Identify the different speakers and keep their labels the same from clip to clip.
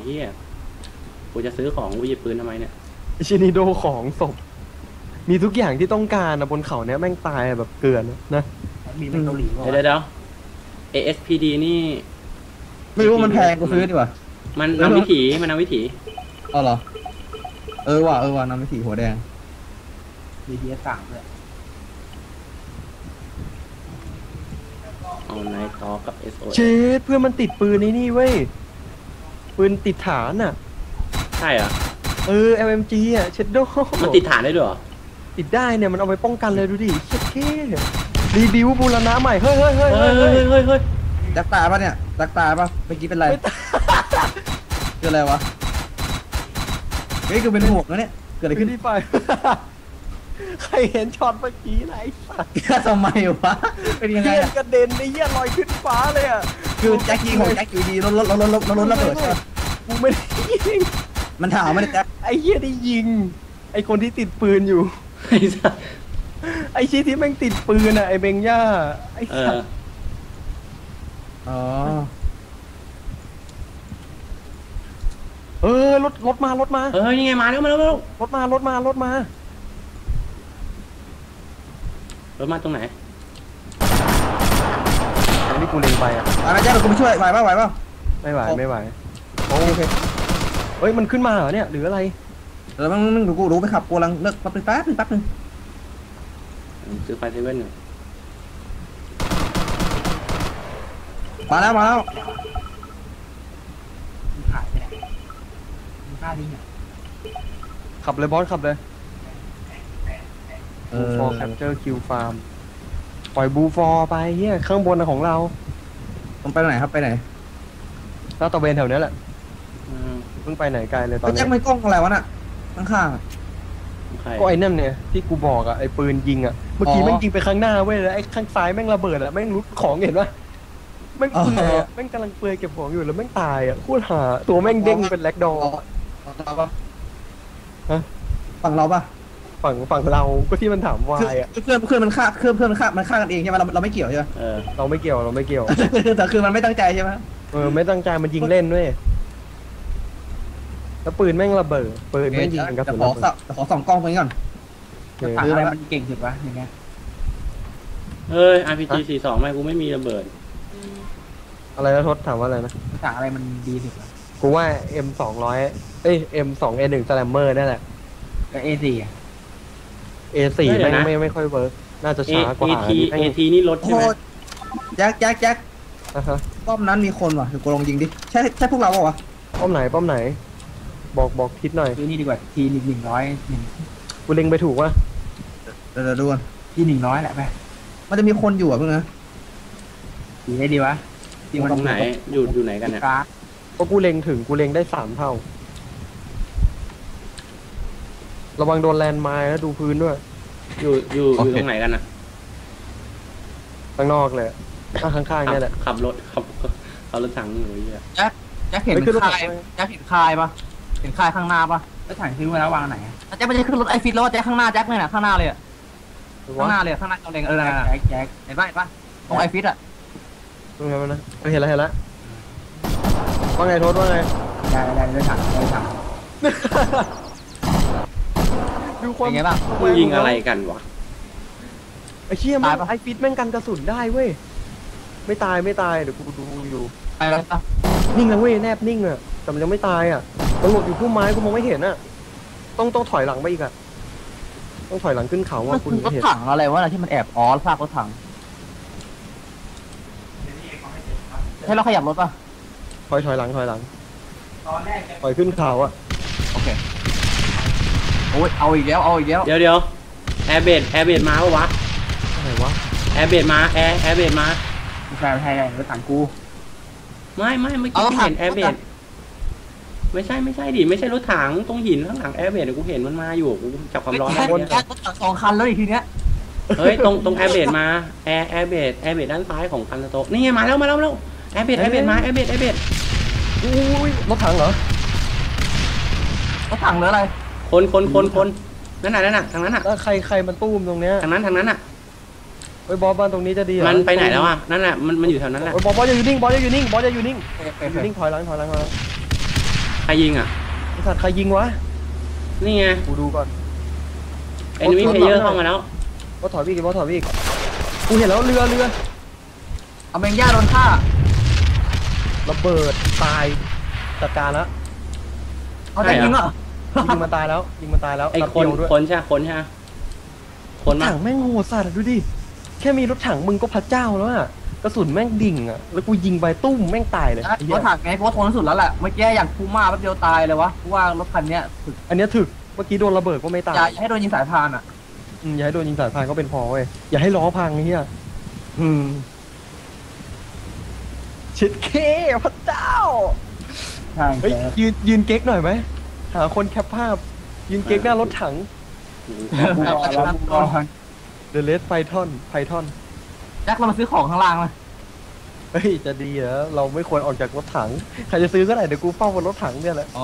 Speaker 1: เฮียกูจะซื้อของกูหยิบปืนทำไมเนี่ย
Speaker 2: ชินิโดของศพมีทุกอย่างที่ต้องการนะบนเขาเนี้ยแม่งตายแบบเกลือนนะ
Speaker 3: มีเป็นเกาหลี
Speaker 1: เดี๋ยว ASPD นี่
Speaker 4: ไม่รู้มันแพงกูซื้อดีกว่า
Speaker 1: มันนำวิถี
Speaker 4: เอาเหรอว่ะนำวิถีหัวแดง
Speaker 3: BTS 3เลย
Speaker 1: เอาไนท์ต่อกับ SOS
Speaker 2: เชดเพื่อนมันติดปืนนี่เว้ยปืนติดฐานอ่ะ
Speaker 1: ใช่เหรอ
Speaker 2: LMG อ่ะเชดโด
Speaker 1: มันติดฐานได้ด้วยเหรอ
Speaker 2: ติดได้เนี่ยมันเอาไปป้องกันเลยดูดิเช็ดเท่รีบิวบูรณะใหม่เฮ้ย
Speaker 4: จักตาป่ะเนี่ยจักตาป่ะเมื่อกี้เป็นไรคืออะไรวะเฮ้ยคือเป็นหมวกนะเนี่ยเกิดอะไรขึ้น
Speaker 2: ที่ไปใครเห็นช็อตเมื่อกี้ไหนสัตว์
Speaker 4: ทำไมวะเป็นยังไง
Speaker 2: กระเด็นไอ้เหี้ยลอยขึ้นฟ้าเลยอ่ะ
Speaker 4: คือแจ็คยิงของแจ็คอยู่ดีรถระเบิดใช่ไหม
Speaker 2: กูไม่ได้ยิง
Speaker 4: มันถามไม่ได้แจ็ค
Speaker 2: ไอ้เหี้ยได้ยิงไอ้คนที่ติดปืนอยู่ไอ้ชี้ที่แม่งติดปืนอ่ะไอ้เบงย่าไอ้สัตว์รถมา
Speaker 1: นี่ไงมาแล้ว
Speaker 2: รถมารถมา
Speaker 1: ตรงไหน
Speaker 2: อันนี้กูเล็งไปอ่ะ
Speaker 4: อะไรแจ็คเรากูไปช่วยไหวป่ะ
Speaker 2: ไม่ไหวโอเคเฮ้ยมันขึ้นมาเหรอเนี่ยหรืออะไร
Speaker 4: มึงดูกูรู้ไปขับกูลังเลิกแป๊บนึง
Speaker 1: ซื้อไฟเซเว่นหน่อย
Speaker 4: มาแล้ว
Speaker 3: ขายไปไหนมีค่าดิ้งอ่ะ
Speaker 2: ขับเลยบอสขับเลยฟอร์แคปเจอร์คิวฟาร์มปล่อยบูฟอร์ไปเฮียข้างบนของเรา
Speaker 4: ต้องไปไหนครับไปไหน
Speaker 2: แล้วตะเวนแถวนี้แหละเพิ่งไปไหนไกลเลยตอนนี้
Speaker 4: แจ็คไม่กล้องอะไรวะน่ะข้าง
Speaker 2: ก็ไอ้นั่นเนี่ยที่กูบอกอ่ะไอ้ปืนยิงอ่ะเมื่อกี้แม่งยิงไปข้างหน้าเว้ยแล้วไอ้ข้างซ้ายแม่งระเบิดอ่ะแม่งรุดของเห็นปะแม่งเปลือยแม่งกำลังเปลือยเก็บของอยู่แล้วแม่งตายอ่ะโคตรหาตัวแม่งเด้งเป็นแล็กดอฮะ
Speaker 4: ฝั่งเราปะ
Speaker 2: ฝั่งเราก็ที่มันถามวายอ่ะ
Speaker 4: เพื่อนมันฆ่ามันฆ่ากันเองใช่ไหมเราไม่เกี่ยวใช่ไหม
Speaker 2: เราไม่เกี่ยว
Speaker 4: แต่คือมันไม่ตั้งใจใช่ไหม
Speaker 2: ไม่ตั้งใจมันยิงเล่นด้วยแล้วปืนแม่งระเบิดปืนแม่งยิงกระสุน
Speaker 4: ขอส่องกล้องไปก่อน
Speaker 3: อะไรมันเก่งสุดวะอย่างเงี้ย
Speaker 1: RPG 42ไม่กูไม่มีระเบิด
Speaker 2: อะไรนะทศถามว่าอะไรนะ
Speaker 3: ต่างอะไรมันดีสุด
Speaker 2: กูว่า M200 M2A1 Slammer นั่นแหละ
Speaker 3: กับ A4 อ่ะ
Speaker 2: A4 ไม่ค่อยเวิร์กน่าจะช้ากว่า
Speaker 1: AT นี่ลดใช่ไหม
Speaker 4: แจ็คป้อมนั้นมีคนว่ะเดี๋ยวกูลองยิงดิใช่พวกเราเปล่าวะ
Speaker 2: ป้อมไหนบอกทิศหน่อย
Speaker 3: นี่ดีกว่าที100
Speaker 2: กูเล็งไปถูกวะ
Speaker 4: เดี๋ยวดูกัน
Speaker 3: ที100แหละไป
Speaker 4: มันจะมีคนอยู่อ่ะเพื่อนนะ
Speaker 3: ดีได้ดีวะ
Speaker 1: ที่มันตรงไหนอยู่ไหนกันเนี่ย
Speaker 2: เพราะกูเล็งถึงกูเล็งได้3 เท่าระวังโดนแลนด์ไมล์แล้วดูพื้นด้วย
Speaker 1: อยู่ตรงไหนกันนะ
Speaker 2: ข้างนอกเลยข้างๆนี่แหละ
Speaker 1: ขับรถถังอยู่เยอะ
Speaker 3: แจ็คเห็นคายปะเห็นคายข้างหน้าปะแล้วถ่ายซื้อมาแล้ววางไหนแจ็คไม่ใช่ขึ้นรถไอฟิตแล้วแจ็คข้างหน้าแจ็คเลยนะข้างหน้าเลยข้างหน้าเราเล็งแจ็คเห็นปะตรงไอฟิตอ่ะ
Speaker 2: ตรงไหนนะเห็นแล้วว่าไงโทษว่าไง
Speaker 3: ได้ถัง
Speaker 2: ดูความ
Speaker 3: ไงบ้าง
Speaker 1: ยิงอะไรกันวะ
Speaker 2: ไอ้เชี่ยมันไอฟิตแม่งกันกระสุนได้เว้ยไม่ตายเดี๋ยวกูดูอยู่
Speaker 3: ไปแล้ว
Speaker 2: นิ่งเลยเว้ยแนบนิ่งอ่ะแต่มันยังไม่ตายอ่ะมันหลบอยู่พุ่มไม้กูมองไม่เห็นอ่ะต้องถอยหลังไปอีกอ่ะต้องถอยหลังขึ้นเขาว่าคุณ
Speaker 3: รถถังอะไรวะที่มันแอบซากรถถังให้เราขยับรถป่ะ
Speaker 2: ถอยหลังถอยขึ้นเขาอ่ะ
Speaker 3: โอเคโอ้ยเอาอีกแล้ว
Speaker 1: เดี๋ยวแอร์เบดมาปะวะ
Speaker 2: อะไรวะ
Speaker 1: แอร์เบดมาแอร์เบดมา
Speaker 3: ไม่ใช่รถถังกู
Speaker 1: ไม่เมื่อกี้เห็นแอร์เบดไม่ใช่ดิไม่ใช่รถถังตรงหินข้างหลังแอร์เบดกูเห็นมันมาอยู่กูจับความร้อนได้
Speaker 3: เนี่ยรถถัง2 คันแล้วอีกทีเนี้ย
Speaker 1: เฮ้ยตรงแอร์เบดมาแอร์เบดด้านซ้ายของคันโตนี่ไงมาแล้วแอร์เบดมาแอร์เบด
Speaker 2: อุ้ยรถถังเหรอ
Speaker 3: รถถังหรืออะไร
Speaker 1: คนนั่นน่ะทางนั้นน่ะ
Speaker 2: แล้วใครมันตู้มตรงเนี้ย
Speaker 1: ทางนั้นน่ะ
Speaker 2: ไอ้บอสบ้านตรงนี้จะดี
Speaker 1: มันไปไหนแล้วอ่ะนั่นแหละมันอยู่แถวนั้นแหละ
Speaker 2: บอสจะอยู่นิ่งถอยหลัง
Speaker 1: ใครยิงอ่ะ
Speaker 2: ไอ้สัตว์ใครยิงวะ
Speaker 1: นี่ไง
Speaker 2: กูดูก่อน
Speaker 1: enemy player เข้ามาแล้ว
Speaker 2: บอสถอยพี่บอสถอยพี่กูเห็นแล้วเรือ
Speaker 3: เอาเมงย่าโดนฆ่า
Speaker 2: ระเบิดตายจัดการแล้ว
Speaker 3: เอาแต่ยิงเหรอ
Speaker 2: ยิงมันตายแล้วยิงมันตายแล้ว
Speaker 1: ไอ้
Speaker 2: นัด
Speaker 1: คน
Speaker 2: เดียวด้วย
Speaker 1: คนใช่ไหมคนใช่ไหมคน
Speaker 2: รถ
Speaker 1: มา
Speaker 2: ถังแม่งโหดสัตว์อะดูดิแค่มีรถถังมึงก็พระเจ้าแล้วอะกระสุนแม่งดิ่งอะแล้วกูยิงไปตุ้มแม่งตายเลยไอ้เหี้
Speaker 3: ร
Speaker 2: ย
Speaker 3: ถถังไงเพราะว่าทนที่สุดแล้วแหละเมื่อกี้อย่างคูม่าแป๊บเดียวตายเลยวะเพราะว่ารถคันเนี้ยถึก
Speaker 2: อันเนี้ยถึกเมื่อกี้โดนระเบิดก็ไม่ตาย
Speaker 3: อย่าให้โดนยิงสายพานอ่ะ
Speaker 2: อย่าให้โดนยิงสายพานก็เป็นพอเว้ยอย่าให้ล้อพังไอ้เหี้ยชิดเคพระเจ้า
Speaker 3: ใช่
Speaker 2: เฮ้ยยืนเก๊กหน่อยไหมหาคนแคปภาพยืนเก๊กหน้ารถถัง The Red Python
Speaker 3: แจ็คเรามาซื้อของข้างล่างเลย
Speaker 2: เฮ้ยจะดีเหรอเราไม่ควรออกจากรถถังใครจะซื้อก็ได้เดี๋ยวกูเฝ้าบนรถถังเนี่ยแหละ
Speaker 3: อ๋อ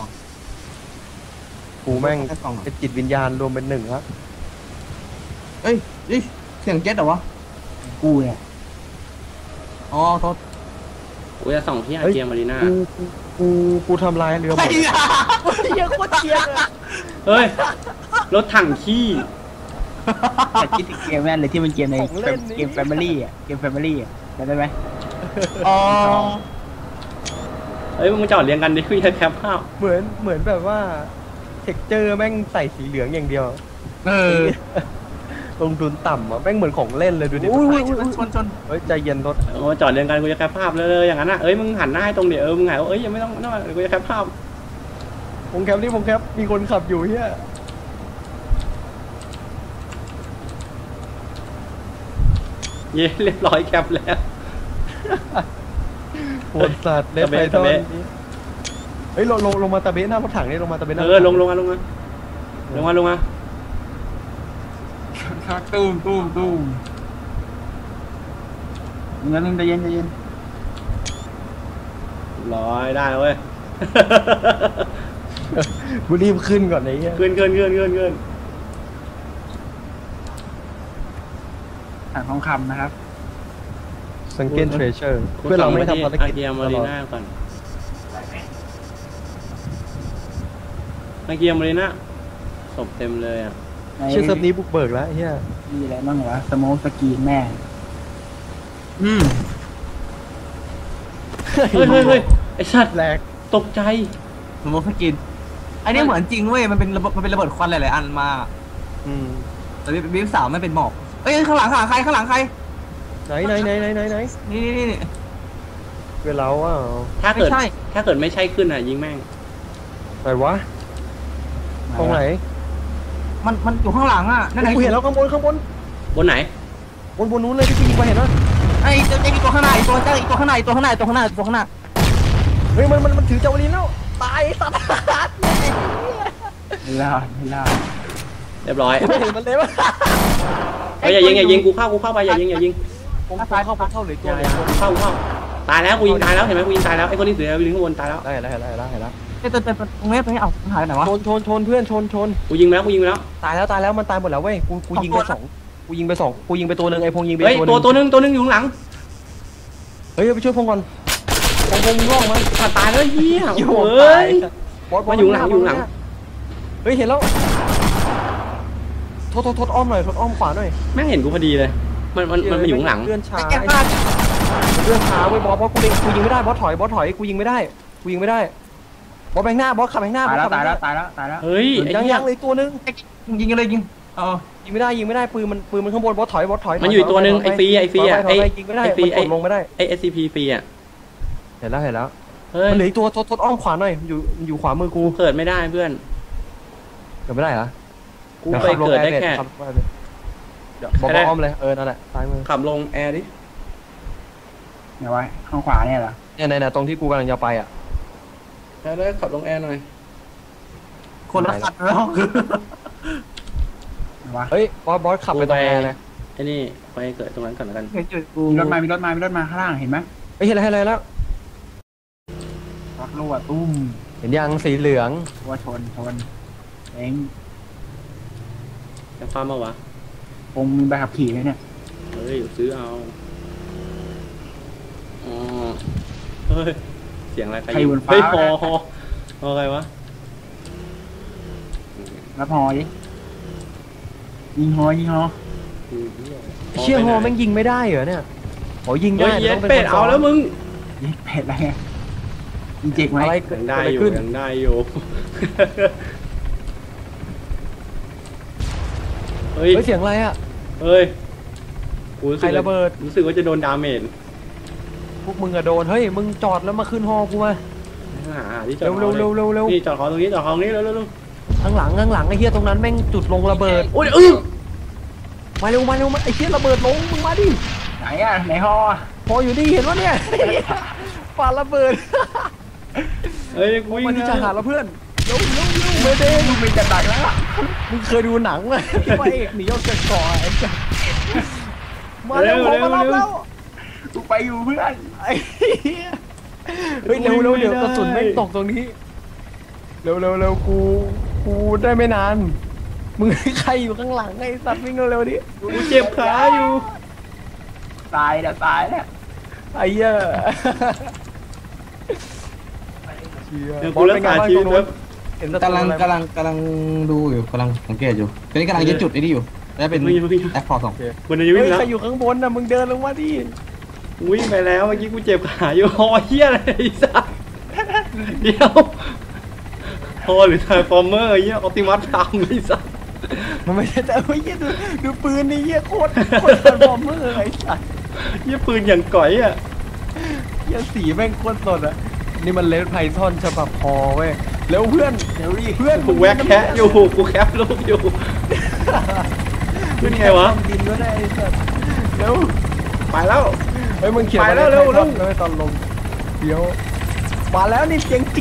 Speaker 2: กูแม่งเป็นจิตวิญญาณรวมเป็นหนึ่งครับ
Speaker 3: เอ้ยเสียงเจ็ตเหรอวะกูเนี่ยอ๋อโทษ
Speaker 1: กูจะส่องที่อาเกียมารีนา
Speaker 2: กูทำลายเรือหมดเยอะโคตรเกียร์เลย
Speaker 1: เฮ้ย รถถังขี้
Speaker 5: แต่คิดถึงเกมแม่นเลยที่มันเกมในเกมแฟมิลี่อ่ะเกมแฟมิลี่อ่ะได้ไหม
Speaker 3: อ๋อ
Speaker 1: เฮ้ยมึงจอดเรียงกันดิคุยแคปภาพ
Speaker 2: เหมือนแบบว่าเท็กเจอร์แม่งใส่สีเหลืองอย่างเดียว ลงทุนต่ำอ่ะแม่งเหมือนของเล่นเลยดูดิ
Speaker 3: ชน
Speaker 2: เฮ้ยใจเย็นรถ
Speaker 1: โอ้จอดเรียงกันกูจะแคปภาพเลยอย่างนั้นอ่ะเอ้ยมึงหันหน้าให้ตรงเดี๋ยวมึงไงเอ้ยยังไม่ต้องเดี๋ยวกูจะแคปภาพ
Speaker 2: วงแคปนี่วงแคปมีคนขับอยู่เฮีย
Speaker 1: เย้เรียบร้อยแคปแล้ว
Speaker 2: โหดสัตว์เล่นไปตอนนี้เฮ้ยลงมาตะเบะหน้ารถถังนี่ลงมาตะเบะหน้า
Speaker 1: ลงมาตุ้ม
Speaker 5: งั้นนึงใจเย็น
Speaker 1: ร้อยได้เว้ย
Speaker 2: กูรีบขึ้นก่อนไอ้เหี้ย
Speaker 1: ขึ้น
Speaker 5: ถังทองคำนะครับ
Speaker 2: สังเกตเทรเชอร์เพื่อเราไม่ทำภาร
Speaker 1: อา
Speaker 2: กิจ
Speaker 1: เกีย
Speaker 2: ต
Speaker 1: มารี
Speaker 2: ลอด
Speaker 1: นาก่อนอาเกียมารีนาศพเต็มเลยอ่ะ
Speaker 2: ชื่อเซิร์ฟนี้บุกเบิกแล้วไอ้เฮีย
Speaker 5: มีอะไรบ้างวะสโมกสกีแม่
Speaker 1: เฮ้ยไอ้สัตว์
Speaker 2: แหลก
Speaker 1: ตกใจ
Speaker 3: สมมติสกินอันนี้เหมือนจริงเว้ยมันเป็นระเบิดควันหลายๆอันมา แต่บีฟสาวไม่เป็นหมอกเอ้ยข้างหลังใคร
Speaker 2: ไหน
Speaker 3: นี่
Speaker 2: เป็นเราอ่ะ
Speaker 1: ถ้าเกิด
Speaker 3: ไม่ใช่
Speaker 1: ถ้าเกิดไม่ใช่ขึ้นอ่ะยิงแม่ง
Speaker 2: ไหนวะตรงไหน
Speaker 3: มันอยู่ข้างหลังอ่ะนั่นไง
Speaker 2: กูเห็นแล้วข้างบน
Speaker 1: บนไหน
Speaker 2: บนนู้นเลยที่กูยิงไปเห็นปะ
Speaker 3: ไอ้เจ้าอีกตัวข้างหน้าอีกตัวข้างหน้า
Speaker 2: เฮ้ยมันถือเจ้าลินแล้วตายสัตว์
Speaker 5: ไม่รอด
Speaker 1: เรียบร้อย
Speaker 2: ไม่เห็นมันเลยวะ
Speaker 1: เฮ้ยอย่ายิงกูเข้าไปอย่ายิง
Speaker 2: ผมเข้าหรือตัวเลย
Speaker 1: เข้าตายแล้วกูยิงตายแล้วเห็นไหมกูยิงตายแล้วไอ้คนที่เสือลิงข้างบนตายแล้ว
Speaker 2: ได้แล้ว
Speaker 3: ไอ้ตัวตรงนี้เอาหายไหนวะ
Speaker 2: ชนเพื่อนชน
Speaker 1: กูยิงไปแล้ว
Speaker 2: ตายแล้วมันตายหมดแล้วเว้ยกูยิงไปสองกูยิงไปตัวนึงไอ้พงยิงไป
Speaker 1: เฮ้ยตัวนึงอยู่ข้างหลัง
Speaker 2: เฮ้ยไปช่วยพงก่อนพงร่องมัน
Speaker 1: ตายแล้วเหี้ยเฮ้ยมาอยู่หลัง
Speaker 2: เฮ้ยเห็นแล้วโทษอ้อมหน่อยอ้อมขวาหน่อย
Speaker 1: แม่งเห็นกูพอดีเลยมันมาอยู่ข้างหลัง
Speaker 2: เลื่อนช้าเว้ยบอสกูยิงไม่ได้บอสถอยกูยิงไม่ได้บอสแบงหน้าบอสขับแบงหน้า
Speaker 5: ตายแล้ว
Speaker 1: เฮ้ยไอ้
Speaker 2: ยัง
Speaker 1: เหี้ย
Speaker 2: เลยตัวนึง
Speaker 3: ยิงเลยยิง
Speaker 2: ยิงไม่ได้ปืนมันข้างบนบอสถอย
Speaker 1: มันอยู่ตัวนึงไอ้ฟรีอ่ะ
Speaker 2: ยิงไม่ได้มันลงไม่ได้
Speaker 1: ไอ้ SCP ฟรีอ่ะ
Speaker 2: เห็นแล้ว
Speaker 1: เฮ้ย
Speaker 2: มันเหลือตัวทดอ้อมขวาหน่อยอยู่ขวามือกู
Speaker 1: เกิดไม่ได้เพื่อน
Speaker 2: เกิดไม่ได้เหรอ
Speaker 1: กูไปเกิดได้แค่
Speaker 2: เดี๋ยวบอกอ้อมเลยนั่นแหละซ้ายมือ
Speaker 1: ขับลงแอร์ดิ
Speaker 5: เดี๋ยวไว้ข้างขวาเนี่ยเหรอ
Speaker 2: เนี่ยตรงที่กูกำลังจะไปอ่ะ
Speaker 1: ได้ขับลงแอร์หน่อย
Speaker 3: คนละคันแล้ว
Speaker 2: เฮ้ยบอสขับไปตรงแอร์เลย
Speaker 1: ไอ้นี่ไปเกิดตรงนั้นก่อนแล้วกัน
Speaker 3: เห็นจุดกู
Speaker 5: มีรถมาข้างล่างเห็นไหม
Speaker 2: เห็นอะไรแล้ว
Speaker 5: รถรั่วตุ้ม
Speaker 2: เห็นยังสีเหลือง
Speaker 5: ว่าชนเอง
Speaker 1: จะฟ้ามาวะ
Speaker 5: คงมีใบขับขี่ไหมเนี่ย
Speaker 1: เฮ้ยซื้อเอาอ๋อเฮ้ยเสียงอะไรใครยิงเฮ้ยฮอเอาไงวะ
Speaker 5: รับหอดิยิงหอ
Speaker 2: เชี่ยฮอแม่งยิงไม่ได้เหรอเนี่ยโอ้ยิง
Speaker 1: เฮ้
Speaker 2: ได้
Speaker 1: ยเย็ด
Speaker 2: ต้อง
Speaker 1: เป็ด
Speaker 2: คน
Speaker 1: เอาแล้วมึง
Speaker 5: ยิงเป็ดอะไรไงยิงเจ็กไหม
Speaker 2: อะไร
Speaker 1: ยั
Speaker 2: เกิด
Speaker 1: งได้
Speaker 2: อะไร
Speaker 1: อยู่
Speaker 2: ขึ้น
Speaker 1: ยังได้อยู่ เฮ้ย
Speaker 2: เฮ้ยเสียงอะไรอ่ะ
Speaker 1: เฮ้ยกูรู้
Speaker 2: ใค
Speaker 1: สึ
Speaker 2: ร
Speaker 1: ก
Speaker 2: ระเบิด
Speaker 1: รู้สึกว่าจะโดนดาเมจ
Speaker 2: พวกมึงอะโดนเฮ้ยมึงจอดแล้วมาขึ้นฮอกูมา
Speaker 1: หาที่จอด
Speaker 2: เร็วเร็วเร็วเร็วเร็ว
Speaker 1: นี่จอดของตรงนี้จอดของนี้เร็วเร็วเร็ว
Speaker 2: ข้างหลังไอ้เหี้ยตรงนั้นแม่งจุดลงระเบิด
Speaker 1: โอ้ย
Speaker 2: มาเร็วมาไอ้เหี้ยระเบิดลงมึงมาดิ
Speaker 5: ไหนอ่ะไหนหอ
Speaker 2: พออยู่นี่เห็นวะเนี่ยปาระเบิด
Speaker 1: เฮ้ยกูวิ่ง
Speaker 2: มาที่ชายหาดแล้วเพื่อนเร็วไม่ได้
Speaker 5: มึงเป็นจะดักแล้ว
Speaker 2: มึงเคยดูหนังไหมที่พระเอกหนีออกจากเกาะไอ้เจ้ามาเร็วพอมารับแล้ว
Speaker 5: กูไปอยู่เพื่อน
Speaker 2: ไอ้เหี้ยเฮ้ยเร็วเดี๋ยวกระสุนแม่งตกตรงนี้เร็วกูได้ไม่นานมึงใครอยู่ข้างหลังไอ้สัตว์วิ่งเร็วดิ
Speaker 1: กูเจ็บขาอยู่
Speaker 5: ตายแล้ว
Speaker 2: ไอ้เหี้ย
Speaker 1: เดี๋ยวกูรักษาชีวิตแล้ว
Speaker 2: เห็น
Speaker 4: กำลังดูอยู่กำลังสังเกตอยู่ตอนนี้กำลังยึดจุดไอ้นี่อยู่แล้วเป็นแอคพอร์ตสอง
Speaker 1: มันจะวิ่
Speaker 2: เฮ้
Speaker 1: ง
Speaker 2: ย
Speaker 1: แล้ว
Speaker 2: ใครอยู่ข้างบนน่ะมึงเดินลงมาดิ
Speaker 1: วิ่งไปแล้วเมื่อกี้กูเจ็บขาอยู่ฮอเฮียอะไรไอ้สัสเดี๋ยวฮอหรือไทฟอร์เมอร์เฮียออปติมัสตามไอ้สัส
Speaker 2: มันไม่ใช่แต่เฮ้ยดูปืนนี่เหี้ยโคตรบอมเมอร์ไอ้สัตว์
Speaker 1: เฮียปืนอย่างก่อยอ่ะ
Speaker 2: เหี้ยสีแม่งโคตรสดอ่ะนี่มันเลดไพทอนฉบับพอเว้ยเร็วเพื่อนเร็วดิเพื่อน
Speaker 1: กูแวกแคะอยู่กูแคปรูปอยู่เป็นไงวะ
Speaker 2: ดินก็ได้ไอ้สัตว์เร็ว
Speaker 1: ไปแล้ว
Speaker 2: เฮ้ยมึงเขียน
Speaker 1: ไปแล้วเร็ว
Speaker 2: ไม่ตอนลงเดี๋ยวมาแล้วนี่เสียงจิก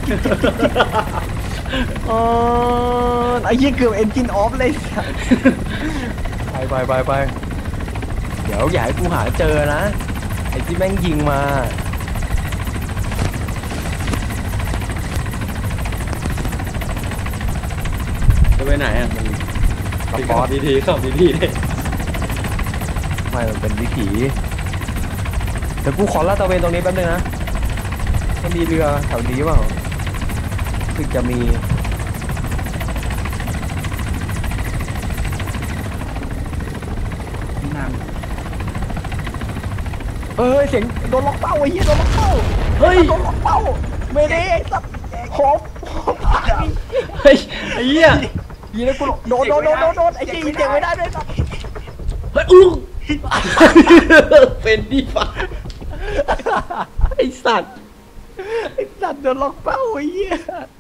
Speaker 2: ไอ้ยี่เกือบเอนจินออฟเลยสัสไปเดี๋ยวอย่าให้กูหาเจอนะไอ้ที่แม่งยิงมา
Speaker 1: จะไปไหนอ่ะ
Speaker 2: มัน
Speaker 1: ขับดีๆขับดีๆ
Speaker 2: ไม่มันเป็นวิถีเดี๋ยวกูขอลาดตระเวนตรงนี้แป๊บนึงนะจะมีเรือแถวนี้เปล่าคือจะมีเฮ้ยเสียงโดนล็อกเป้าไอ้เหี้ยโดนล็อกเป้า
Speaker 1: เฮ้ย
Speaker 2: โดนล็อกเป้าไม่ได้ไอ้สัตว์หอม
Speaker 1: เฮ้ยไอ้เหี้ย
Speaker 2: ยีนะกูโดนไอ้จี้เสียงไม่ได้ด้วยสัตว์
Speaker 1: เฮ้ยอู้เป็นดีฟ้าไอ้สัตว์
Speaker 2: โดนล็อกเป้าไอ้เหี้ย